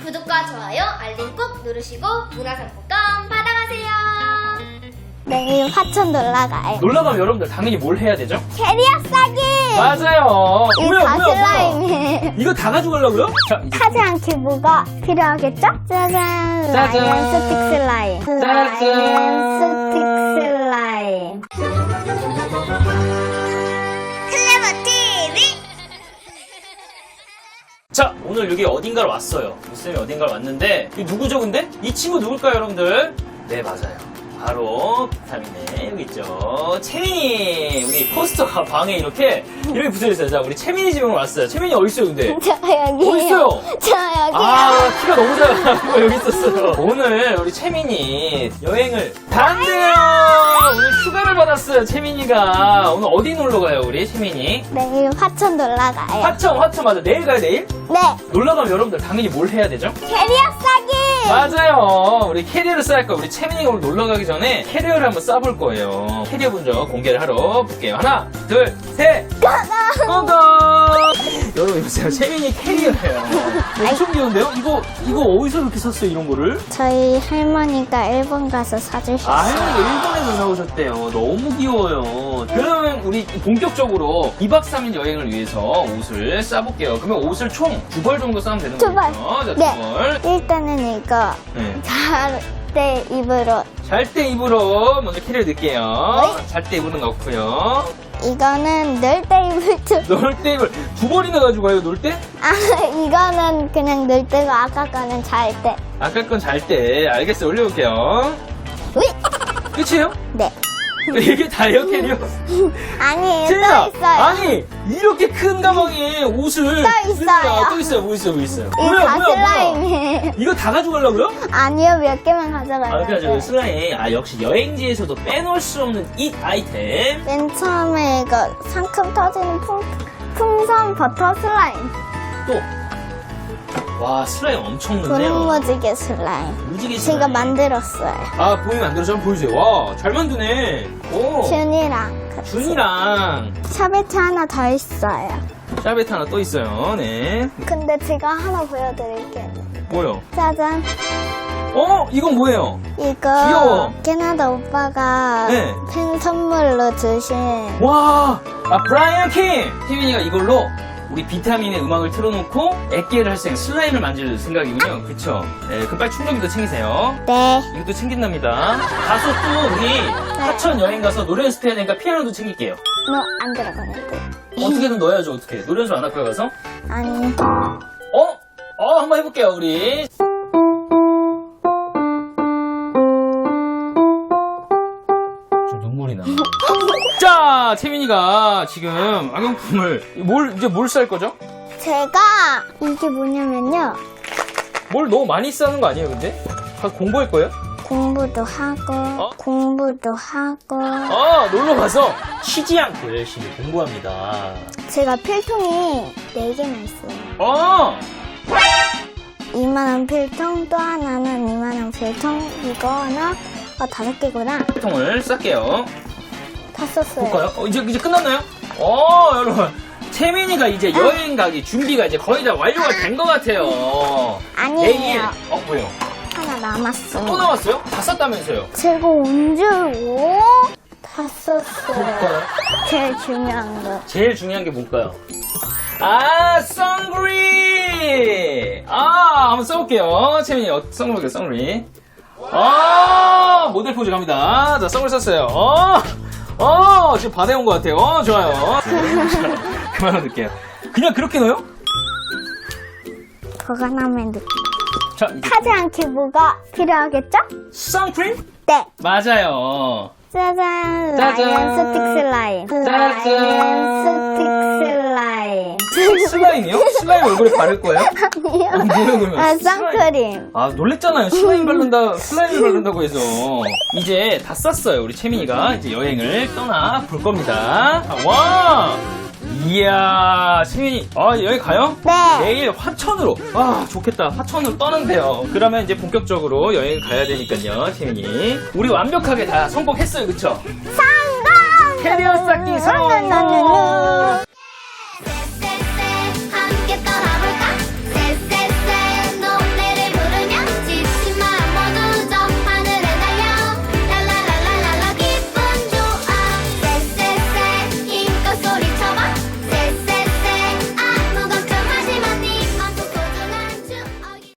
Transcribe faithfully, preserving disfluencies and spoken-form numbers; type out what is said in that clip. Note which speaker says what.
Speaker 1: 구독과 좋아요, 알림 꼭 누르시고 문화상품권 받아가세요.
Speaker 2: 내일 화천 놀러 가요.
Speaker 3: 놀러 가면 여러분들 당연히 뭘 해야 되죠?
Speaker 2: 캐리어 싸기!
Speaker 3: 맞아요.
Speaker 2: 이
Speaker 3: 뭐야,
Speaker 2: 다
Speaker 3: 뭐야, 뭐야.
Speaker 2: 슬라임이에요.
Speaker 3: 이거 다 가져가려고요? 자, 이제
Speaker 2: 타지 않게 뭐가 필요하겠죠? 짜잔!
Speaker 3: 짜잔.
Speaker 2: 라이언 스틱 슬라임.
Speaker 3: 짜잔.
Speaker 2: 라이언 스틱 슬라임. 클레버 티비!
Speaker 3: 자, 오늘 여기 어딘가로 왔어요. 무쌤이 어딘가로 왔는데, 이 누구죠, 근데? 이 친구 누굴까요, 여러분들? 네, 맞아요. 바로 비타민의 여기 있죠. 채민이! 우리 포스터가 방에 이렇게, 이렇게 붙어있어요. 자, 우리 채민이 집에 왔어요. 채민이 어딨어요, 근데?
Speaker 2: 저 여기요.
Speaker 3: 어딨어요?
Speaker 2: 저 여기요.
Speaker 3: 아, 키가 너무 작아가지고 여기 있었어요. 오늘 우리 채민이 여행을 간대요! 오늘 휴가를 받았어요, 채민이가. 오늘 어디 놀러 가요, 우리 채민이?
Speaker 2: 내일 화천 놀러 가요.
Speaker 3: 화천, 화천 맞아. 내일 가요, 내일?
Speaker 2: 네.
Speaker 3: 놀러 가면 여러분들 당연히 뭘 해야 되죠?
Speaker 2: 캐리어 싸기!
Speaker 3: 맞아요. 우리 캐리어를 쌓을 거예요. 우리 채민이가 오늘 놀러 가기 전에 캐리어를 한번 쌓아볼 거예요. 캐리어 분석 공개를 하러 볼게요. 하나, 둘, 셋! 고고! 여러분, 보세요. 채민이 캐리어예요. 엄청 귀여운데요? 이거, 이거 어디서 이렇게 샀어요, 이런 거를?
Speaker 2: 저희 할머니가 일본 가서
Speaker 3: 아유,
Speaker 2: 사주셨어요.
Speaker 3: 일본에서 사오셨대요. 너무 귀여워요. 그러면 우리 본격적으로 이박 삼일 여행을 위해서 옷을 싸볼게요. 그러면 옷을 총 두 벌 정도 싸면 되는
Speaker 2: 두 벌.
Speaker 3: 거죠? 자, 두
Speaker 2: 네.
Speaker 3: 벌.
Speaker 2: 일단은 이거
Speaker 3: 네.
Speaker 2: 잘 때 입으로
Speaker 3: 잘 때 입으로 먼저 캐리어 넣을게요.
Speaker 2: 네.
Speaker 3: 잘 때 입으로 넣고요.
Speaker 2: 이거는 늘 때 입을 줄.
Speaker 3: 놀 때 입을 두 벌이나 가지고 가요, 놀 때?
Speaker 2: 아 이거는 그냥 늘 때고 아까 거는 잘 때.
Speaker 3: 아까 건 잘 때. 알겠어요. 올려볼게요.
Speaker 2: 위.
Speaker 3: 끝이에요?
Speaker 2: 네.
Speaker 3: 이게 다예요, 캐리어?
Speaker 2: 아니에요.
Speaker 3: 채민아,
Speaker 2: 또 있어요.
Speaker 3: 아니 이렇게 큰 가방에 옷을
Speaker 2: 또 있어요.
Speaker 3: 쓰니까 또 있어요, 뭐 있어요, 뭐 있어요.
Speaker 2: 이거 다 슬라임이에요.
Speaker 3: 이거 다 가져가려고요?
Speaker 2: 아니요, 몇 개만
Speaker 3: 아,
Speaker 2: 가져가려고요.
Speaker 3: 그래가지고 슬라임. 아, 역시 여행지에서도 빼놓을 수 없는 이 아이템.
Speaker 2: 맨 처음에 이거 상큼 터지는 풍, 풍선 버터 슬라임.
Speaker 3: 또. 와, 슬라임 엄청 넣네요.
Speaker 2: 분무지개 슬라임.
Speaker 3: 무지개
Speaker 2: 제가
Speaker 3: 슬라임.
Speaker 2: 만들었어요.
Speaker 3: 아, 보이면 안 들어서 한번 보여주세요. 와, 잘 만드네. 오.
Speaker 2: 준이랑 같이.
Speaker 3: 준이랑
Speaker 2: 샤베트 하나 더 있어요.
Speaker 3: 샤베트 하나 또 있어요. 네.
Speaker 2: 근데 제가 하나 보여드릴게요.
Speaker 3: 뭐요?
Speaker 2: 짜잔.
Speaker 3: 어? 이건 뭐예요?
Speaker 2: 이거
Speaker 3: 귀여워.
Speaker 2: 캐나다 오빠가
Speaker 3: 네.
Speaker 2: 팬 선물로 주신
Speaker 3: 와! 아, 브라이언 킹! 태민이가 이걸로 우리 비타민의 음악을 틀어놓고 액계를 할 수 있는 슬라임을 만들 생각이군요. 그쵸? 네, 그럼 빨리 충전기도 챙기세요.
Speaker 2: 네.
Speaker 3: 이것도 챙긴답니다. 가서 또 우리 하천 여행 가서 노래 연습해야 되니까 피아노도 챙길게요.
Speaker 2: 너 안 들어가는데.
Speaker 3: 어떻게든 넣어야죠, 어떻게. 노래 연습 안 할 거야, 가서?
Speaker 2: 아니.
Speaker 3: 어? 어, 한번 해볼게요, 우리. 좀 눈물이 나. 자, 채민이가 지금 악용품을, 뭘, 이제 뭘 쌀 거죠?
Speaker 2: 제가 이게 뭐냐면요.
Speaker 3: 뭘 너무 많이 싸는 거 아니에요, 근데? 다 공부할 거예요?
Speaker 2: 공부도 하고
Speaker 3: 어?
Speaker 2: 공부도 하고
Speaker 3: 아, 놀러 가서 쉬지 않고 열심히 공부합니다.
Speaker 2: 제가 필통이 네 개나 있어요.
Speaker 3: 어!
Speaker 2: 이만한 필통, 또 하나는 이만한 필통, 이거 하나, 아 다섯 개구나.
Speaker 3: 통을 쌀게요.
Speaker 2: 다 썼어요.
Speaker 3: 볼까요? 어, 이제, 이제 끝났나요? 어, 여러분. 채민이가 이제 여행 가기 준비가 이제 거의 다 완료가 된 것 같아요.
Speaker 2: 아니에요.
Speaker 3: 내일, 어, 뭐예요?
Speaker 2: 하나 남았어.
Speaker 3: 또 나왔어요? 다 쌌다면서요?
Speaker 2: 제가 언제 오? 다 썼어요.
Speaker 3: 볼까요?
Speaker 2: 제일 중요한 거.
Speaker 3: 제일 중요한 게 뭘까요? 아, 선그린! 아, 한번 써볼게요. 채민이, 어, 선그린, 선그린. 아, 모델 포즈 갑니다. 자, 선글 썼어요. 어, 어, 지금 바다에 온 것 같아요. 어, 좋아요. 그만 넣을게요. 그냥 그렇게 넣어요?
Speaker 2: 보관하면 느낌.
Speaker 3: 자, 이제
Speaker 2: 타지 않게 뭐가 필요하겠죠?
Speaker 3: 선크림?
Speaker 2: 네.
Speaker 3: 맞아요.
Speaker 2: 짜잔.
Speaker 3: 짜잔.
Speaker 2: 라이언 스틱 슬라임.
Speaker 3: 짜잔.
Speaker 2: 라이언 스틱 슬라임.
Speaker 3: 슬라임이요? 슬라임 얼굴에 바를 거예요?
Speaker 2: 아니요.
Speaker 3: 어, 뭐예요, 그러면?
Speaker 2: 아,
Speaker 3: 슬라임.
Speaker 2: 선크림.
Speaker 3: 아, 놀랬잖아요. 슬라임 바른다, 슬라임을 바른다고 해서. 이제 다 쌌어요. 우리 채민이가 이제 여행을 떠나 볼 겁니다. 아, 와! 이야, 채민이, 아, 여행 가요?
Speaker 2: 네.
Speaker 3: 내일 화천으로. 와, 좋겠다. 화천으로 떠난대요. 그러면 이제 본격적으로 여행 가야 되니까요, 채민이. 우리 완벽하게 다 성공했어요, 그쵸?
Speaker 2: 성공!
Speaker 3: 캐리어 쌓기 성공!